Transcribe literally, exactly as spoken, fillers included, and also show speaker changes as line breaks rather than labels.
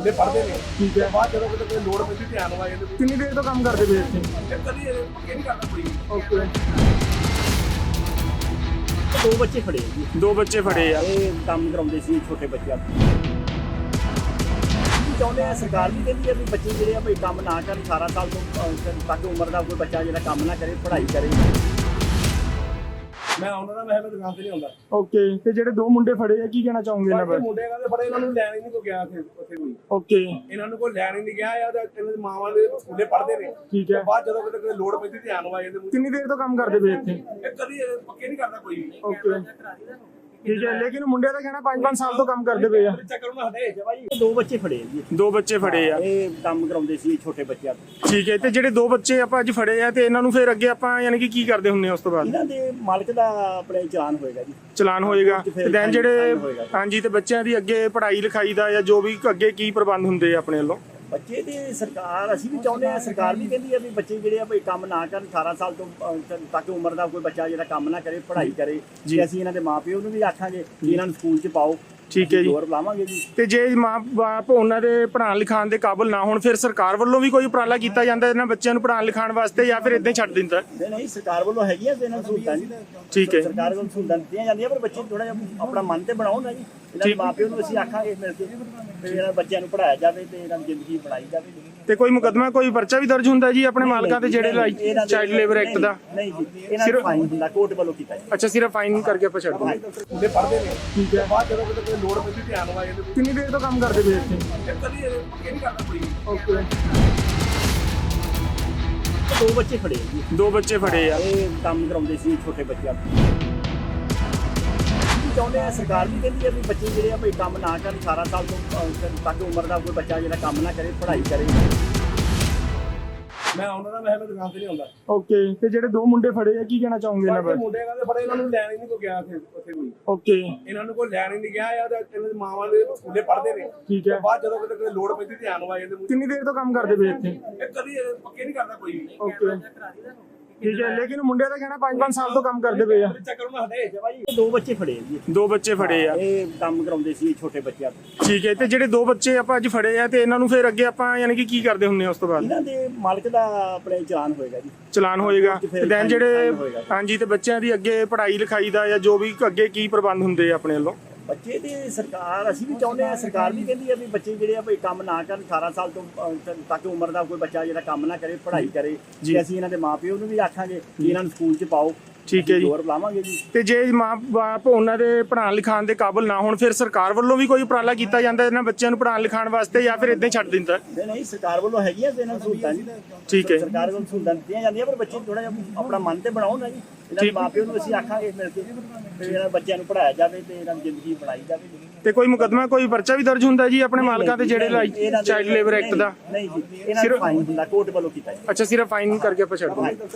ਸਕੂਲੇ ਪੜ੍ਹਦੇ ਨੇ।
ਠੀਕ ਹੈ।
ਬਾਅਦ ਜਦੋਂ ਕਿਤੇ ਲੋੜ ਪੈਂਦੀ ਧਿਆਨ ਵਾ ਜਾਂਦੇ।
ਕਿੰਨੀ ਦੇਰ ਤੋਂ ਕੰਮ ਕਰਦੇ ਪਏ ਇੱਥੇ?
ਕਦੀ ਪੱਕੇ ਨਹੀਂ ਕਰਦਾ ਕੋਈ।
ਓਕੇ।
ਦੋ ਬੱਚੇ ਫੜੇ ਆ ਜੀ।
ਦੋ ਬੱਚੇ ਫੜੇ ਆ।
ਇਹ ਕੰਮ ਕਰਾਉਂਦੇ ਸੀ ਛੋਟੇ ਬੱਚਿਆਂ ਨੂੰ। ਚਾਹੁੰਦੇ ਆ ਸਰਕਾਰ ਵੀ ਕਹਿੰਦੀ ਆ ਵੀ ਬੱਚੇ ਜਿਹੜੇ ਆ ਭਈ ਕੰਮ ਨਾ ਕਰਨ ਅਠਾਰਾਂ ਸਾਲ ਤੋਂ ਅਹ, ਤੱਕ ਉਮਰ ਦਾ ਕੋਈ ਬੱਚਾ ਜਿਹੜਾ ਕੰਮ ਨਾ ਕਰੇ, ਪੜ੍ਹਾਈ ਕਰੇ।
ਮੈਂ ਉਹਨਾਂ ਦਾ ਮੈਂ ਦੁਕਾਨ ਤੇ ਨਹੀਂ ਆਉਂਦਾ।
ਓਕੇ। ਤੇ ਜਿਹੜੇ ਦੋ ਮੁੰਡੇ ਫੜੇ ਆ ਕੀ ਕਹਿਣਾ ਚਾਹੋਗੇ ਇਹਨਾਂ ਬਾਰੇ?
ਮੁੰਡੇ ਕਹਿੰਦੇ ਬੜੇ ਇਹਨਾਂ ਨੂੰ ਲੈਣ ਹੀ ਨਹੀਂ ਕੋ ਗਿਆ ਉੱਥੇ ਉੱਥੇ ਕੋਈ।
ਓਕੇ।
ਇਹਨਾਂ ਨੂੰ ਕੋਈ ਲੈਣ ਹੀ ਨਹੀਂ ਗਿਆ ਆ। ਇਹਨਾਂ ਦੀ ਮਾਵਾਂ ਦੇ ਸਕੂਲੇ ਪੜ੍ਹਦੇ ਨੇ।
ਠੀਕ ਹੈ।
ਬਾਅਦ ਜਦੋਂ ਕਿਤੇ ਲੋੜ ਪੈਂਦੀ ਧਿਆਨ ਵਾ ਜਾਂਦੇ।
ਕਿੰਨੀ ਦੇਰ ਤੋਂ ਕੰਮ ਕਰਦੇ ਪਏ ਇੱਥੇ?
ਕਦੀ ਪੱਕੇ ਨਹੀਂ ਕਰਦਾ ਕੋਈ।
ਓਕੇ। ਠੀਕ ਹੈ। ਲੇਕਿਨ ਮੁੰਡਿਆਂ ਦਾ ਕਹਿਣਾ ਪੰਜ ਪੰਜ ਸਾਲ ਤੋਂ ਕੰਮ ਕਰਦੇ ਪਏ ਆ।
ਚੱਕਰ ਉਹਨਾਂ ਹਟੇ
ਇਹ ਦੋ ਬੱਚੇ ਫੜੇ ਆ ਜੀ।
ਦੋ ਬੱਚੇ ਫੜੇ ਆ।
ਇਹ ਕੰਮ ਕਰਾਉਂਦੇ ਸੀ ਛੋਟੇ ਬੱਚਿਆਂ ਨੂੰ।
ਠੀਕ ਹੈ। ਤੇ ਜਿਹੜੇ ਦੋ ਬੱਚੇ ਆਪਾਂ ਅੱਜ ਫੜੇ ਆ ਤੇ ਇਹਨਾਂ ਨੂੰ ਫਿਰ ਅੱਗੇ ਆਪਾਂ ਯਾਨੀ ਕਿ ਕੀ ਕਰਦੇ ਹੁੰਨੇ ਆ ਉਸ ਤੋਂ ਬਾਅਦ?
ਇਹਨਾਂ ਦੇ ਮਾਲਕ ਦਾ ਆਪਣੇ ਚਲਾਨ ਹੋਏਗਾ ਜੀ।
ਚਲਾਨ ਹੋਏਗਾ।
ਤੇ ਫਿਰ
ਤੇ ਦੈਨ ਜਿਹੜੇ
ਫਾਈਨ ਹੋਏਗਾ।
ਹਾਂਜੀ ਤੇ ਬੱਚਿਆਂ ਦੀ ਅੱਗੇ ਪੜ੍ਹਾਈ ਲਿਖਾਈ ਦਾ ਜਾਂ ਜੋ ਵੀ ਅੱਗੇ ਕੀ ਪ੍ਰਬੰਧ ਹੁੰਦੇ ਆ ਆਪਣੇ ਵੱਲੋਂ?
ਬੱਚੇ ਦੀ ਸਰਕਾਰ ਅਸੀਂ ਵੀ ਚਾਹੁੰਦੇ ਆ, ਸਰਕਾਰ ਵੀ ਕਹਿੰਦੀ ਆ ਵੀ ਬੱਚੇ ਜਿਹੜੇ ਆ ਭਈ ਕੰਮ ਨਾ ਕਰਨ ਅਠਾਰਾਂ ਸਾਲ ਤੋਂ ਅਹ, ਤੱਕ ਉਮਰ ਦਾ ਕੋਈ ਬੱਚਾ ਜਿਹੜਾ ਕੰਮ ਨਾ ਕਰੇ, ਪੜ੍ਹਾਈ ਕਰੇ।
ਜੀ।
ਤੇ ਅਸੀਂ ਇਹਨਾਂ ਦੇ ਮਾਪਿਓ ਨੂੰ ਵੀ ਆਖਾਂਗੇ ਕਿ ਇਹਨਾਂ ਨੂੰ ਸਕੂਲ 'ਚ ਪਾਓ।
ਠੀਕ ਹੈ ਜੀ।
ਜ਼ੋਰ ਲਾਵਾਂਗੇ ਜੀ।
ਤੇ ਜੇ ਮਾਂ-ਬਾਪ ਉਹਨਾਂ ਦੇ ਪੜ੍ਹਾਉਣ ਲਿਖਾਉਣ ਦੇ ਕਾਬਿਲ ਨਾ ਹੋਣ ਫਿਰ ਸਰਕਾਰ ਵੱਲੋਂ ਵੀ ਕੋਈ ਉਪਰਾਲਾ ਕੀਤਾ ਜਾਂਦਾ ਇਹਨਾਂ ਬੱਚਿਆਂ ਨੂੰ ਪੜ੍ਹਾਉਣ ਲਿਖਾਉਣ ਵਾਸਤੇ ਜਾਂ ਫਿਰ ਇਦਾਂ ਹੀ ਛੱਡ ਦਿੰਦਾ?
ਨਹੀਂ ਨਹੀਂ, ਸਰਕਾਰ ਵੱਲੋਂ ਹੈਗੀਆਂ ਤੇ ਇਹਨਾਂ ਨੂੰ ਸਹੂਲਤਾਂ ਜੀ।
ਠੀਕ ਹੈ।
ਸਰਕਾਰ ਵੱਲੋਂ ਸਹੂਲਤਾਂ ਦਿੱਤੀਆਂ ਜਾਂਦੀਆਂ, ਪਰ ਬੱਚੇ ਥੋੜਾ ਜਿਹਾ ਆਪਣਾ ਮਨ ਤੇ ਬਣਾਉਣ ਨਾ ਜੀ। ਇਹਨਾਂ ਦੇ ਮਾਪਿਓ ਨੂੰ ਅਸੀਂ ਆਖਾਂਗੇ ਮਿਲ ਕੇ ਵੀ ਇਹਨਾਂ ਬੱਚਿਆਂ ਨੂੰ ਪੜ੍ਹਾਇਆ ਜਾਵੇ ਤੇ ਇਹਨਾਂ ਦੀ ਜ਼ਿੰਦਗੀ ਬਣਾਈ ਜਾਵੇ।
ਤੇ ਕੋਈ ਮੁਕੱਦਮਾ ਕੋਈ ਪਰਚਾ ਵੀ ਦਰਜ ਹੁੰਦਾ ਜੀ ਆਪਣੇ ਮਾਲਕਾਂ ਤੇ ਜਿਹੜੇ ਚਾਈਲਡ ਲੇਬਰ ਐਕਟ ਦਾ?
ਨਹੀਂ ਜੀ, ਇਹਨਾਂ ਨੂੰ ਫਾਈਨ ਹੁੰਦਾ, ਕੋਰਟ ਵੱਲੋਂ ਕੀਤਾ ਜੀ।
ਅੱਛਾ, ਸਿਰਫ ਫਾਈਨ ਕਰਕੇ ਆਪਾਂ ਛੱਡ ਦਿੰਦੇ।
ਸਕੂਲੇ ਪੜ੍ਹਦੇ ਨੇ।
ਠੀਕ ਹੈ।
ਬਾਅਦ ਜਦੋਂ ਕਿਤੇ ਲੋੜ ਪੈਂਦੀ ਧਿਆਨ ਵਾ ਜਾਂਦੇ।
ਕਿੰਨੀ ਦੇਰ ਤੋਂ ਕੰਮ ਕਰਦੇ ਪਏ ਇੱਥੇ?
ਕਦੀ ਪੱਕੇ ਨਹੀਂ ਕਰਦਾ ਕੋਈ।
ਓਕੇ।
ਦੋ ਬੱਚੇ ਫੜੇ ਆ ਜੀ।
ਦੋ ਬੱਚੇ ਫੜੇ ਆ।
ਇਹ ਕੰਮ ਕਰਾਉਂਦੇ ਸੀ ਛੋਟੇ ਬੱਚਿਆਂ ਨੂੰ। ਚਾਹੁੰਦੇ ਆ ਸਰਕਾਰ ਵੀ ਕਹਿੰਦੀ ਆ ਵੀ ਬੱਚੇ ਜਿਹੜੇ ਆ ਭਈ ਕੰਮ ਨਾ ਕਰਨ ਅਠਾਰਾਂ ਸਾਲ ਤੋਂ ਅਹ, ਤੱਕ ਉਮਰ ਦਾ ਕੋਈ ਬੱਚਾ ਜਿਹੜਾ ਕੰਮ ਨਾ ਕਰੇ, ਪੜ੍ਹਾਈ ਕਰੇ।
ਮੈਂ ਉਹਨਾਂ ਦਾ ਮੈਂ ਦੁਕਾਨ ਤੇ ਨਹੀਂ ਆਉਂਦਾ।
ਓਕੇ। ਤੇ ਜਿਹੜੇ ਦੋ ਮੁੰਡੇ ਫੜੇ ਆ ਕੀ ਕਹਿਣਾ ਚਾਹੋਗੇ ਇਹਨਾਂ ਬਾਰੇ?
ਮੁੰਡੇ ਕਹਿੰਦੇ ਬੜੇ ਇਹਨਾਂ ਨੂੰ ਲੈਣ ਹੀ ਨਹੀਂ ਕੋ ਗਿਆ ਉੱਥੇ ਉੱਥੇ ਕੋਈ।
ਓਕੇ।
ਇਹਨਾਂ ਨੂੰ ਕੋਈ ਲੈਣ ਹੀ ਨਹੀਂ ਗਿਆ ਆ। ਇਹਨਾਂ ਦੀ ਮਾਵਾਂ ਦੇ ਸਕੂਲੇ ਪੜ੍ਹਦੇ ਨੇ।
ਠੀਕ ਹੈ।
ਬਾਅਦ ਜਦੋਂ ਕਿਤੇ ਲੋੜ ਪੈਂਦੀ ਧਿਆਨ ਵਾ ਜਾਂਦੇ।
ਕਿੰਨੀ ਦੇਰ ਤੋਂ ਕੰਮ ਕਰਦੇ ਪਏ ਇੱਥੇ?
ਕਦੀ ਪੱਕੇ ਨਹੀਂ ਕਰਦਾ ਕੋਈ।
ਓਕੇ। ਠੀਕ ਹੈ। ਲੇਕਿਨ ਮੁੰਡਿਆਂ ਦਾ ਕਹਿਣਾ ਪੰਜ ਪੰਜ ਸਾਲ ਤੋਂ ਕੰਮ ਕਰਦੇ ਪਏ ਆ।
ਚੱਕਰ ਉਹਨਾਂ ਹਟੇ
ਇਹ ਦੋ ਬੱਚੇ ਫੜੇ ਆ ਜੀ।
ਦੋ ਬੱਚੇ ਫੜੇ ਆ।
ਇਹ ਕੰਮ ਕਰਾਉਂਦੇ ਸੀ ਛੋਟੇ ਬੱਚਿਆਂ ਨੂੰ।
ਠੀਕ ਹੈ। ਤੇ ਜਿਹੜੇ ਦੋ ਬੱਚੇ ਆਪਾਂ ਅੱਜ ਫੜੇ ਆ ਤੇ ਇਹਨਾਂ ਨੂੰ ਫਿਰ ਅੱਗੇ ਆਪਾਂ ਯਾਨੀ ਕਿ ਕੀ ਕਰਦੇ ਹੁੰਨੇ ਆ ਉਸ ਤੋਂ ਬਾਅਦ?
ਇਹਨਾਂ ਦੇ ਮਾਲਕ ਦਾ ਆਪਣੇ ਚਲਾਨ ਹੋਏਗਾ ਜੀ।
ਚਲਾਨ ਹੋਏਗਾ।
ਤੇ ਫਿਰ
ਤੇ ਦੈਨ ਜਿਹੜੇ
ਫਾਈਨ ਹੋਏਗਾ।
ਹਾਂਜੀ ਤੇ ਬੱਚਿਆਂ ਦੀ ਅੱਗੇ ਪੜ੍ਹਾਈ ਲਿਖਾਈ ਦਾ ਜਾਂ ਜੋ ਵੀ ਅੱਗੇ ਕੀ ਪ੍ਰਬੰਧ ਹੁੰਦੇ ਆ ਆਪਣੇ ਵੱਲੋਂ?
ਬੱਚੇ ਦੀ ਸਰਕਾਰ ਅਸੀਂ ਵੀ ਚਾਹੁੰਦੇ ਆ, ਸਰਕਾਰ ਵੀ ਕਹਿੰਦੀ ਆ ਵੀ ਬੱਚੇ ਜਿਹੜੇ ਆ ਭਈ ਕੰਮ ਨਾ ਕਰਨ ਅਠਾਰਾਂ ਸਾਲ ਤੋਂ ਅਹ, ਤੱਕ ਉਮਰ ਦਾ ਕੋਈ ਬੱਚਾ ਜਿਹੜਾ ਕੰਮ ਨਾ ਕਰੇ, ਪੜ੍ਹਾਈ ਕਰੇ। ਤੇ ਅਸੀਂ ਇਹਨਾਂ ਦੇ ਮਾਪਿਓ ਨੂੰ ਵੀ ਆਖਾਂਗੇ ਕਿ ਇਹਨਾਂ ਨੂੰ ਸਕੂਲ 'ਚ ਪਾਓ।
ਠੀਕ ਹੈ ਜੀ।
ਜ਼ੋਰ ਲਾਵਾਂਗੇ ਜੀ।
ਤੇ ਜੇ ਮਾਂ-ਬਾਪ ਉਹਨਾਂ ਦੇ ਪੜ੍ਹਾਉਣ ਲਿਖਾਉਣ ਦੇ ਕਾਬਿਲ ਨਾ ਹੋਣ ਫਿਰ ਸਰਕਾਰ ਵੱਲੋਂ ਵੀ ਕੋਈ ਉਪਰਾਲਾ ਕੀਤਾ ਜਾਂਦਾ ਇਹਨਾਂ ਬੱਚਿਆਂ ਨੂੰ ਪੜ੍ਹਾਉਣ ਲਿਖਾਉਣ ਵਾਸਤੇ ਜਾਂ ਫਿਰ ਇਦਾਂ ਹੀ ਛੱਡ ਦਿੰਦਾ?
ਨਹੀਂ ਨਹੀਂ, ਸਰਕਾਰ ਵੱਲੋਂ ਹੈਗੀਆਂ ਤੇ ਇਹਨਾਂ ਨੂੰ ਸਹੂਲਤਾਂ ਜੀ।
ਠੀਕ ਹੈ।
ਸਰਕਾਰ ਵੱਲੋਂ ਸਹੂਲਤਾਂ ਦਿੱਤੀਆਂ ਜਾਂਦੀਆਂ, ਪਰ ਬੱਚੇ ਥੋੜਾ ਜਿਹਾ ਆਪਣਾ ਮਨ ਤੇ ਬਣਾਉਣ ਨਾ ਜੀ। ਇਹਨਾਂ ਦੇ ਮਾਪਿਓ ਨੂੰ ਅਸੀਂ ਆਖਾਂਗੇ ਮਿਲ ਕੇ ਵੀ ਇਹਨਾਂ ਬੱਚਿਆਂ ਨੂੰ ਪੜ੍ਹਾਇਆ ਜਾਵੇ ਤੇ ਇਹਨਾਂ ਦੀ ਜ਼ਿੰਦਗੀ ਬਣਾਈ ਜਾਵੇ।
ਤੇ ਕੋਈ ਮੁਕੱਦਮਾ ਕੋਈ ਪਰਚਾ ਵੀ ਦਰਜ ਹੁੰਦਾ ਜੀ ਆਪਣੇ ਮਾਲਕਾਂ ਤੇ ਜਿਹੜੇ ਚਾਈਲਡ ਲੇਬਰ ਐਕਟ ਦਾ?
ਨਹੀਂ ਜੀ, ਇਹਨਾਂ ਨੂੰ ਫਾਈਨ ਹੁੰਦਾ, ਕੋਰਟ ਵੱਲੋਂ ਕੀਤਾ ਜੀ।
ਅੱਛਾ, ਸਿਰਫ ਫਾਈਨ ਕਰਕੇ ਆਪਾਂ ਛੱਡ ਦਿੰਦੇ।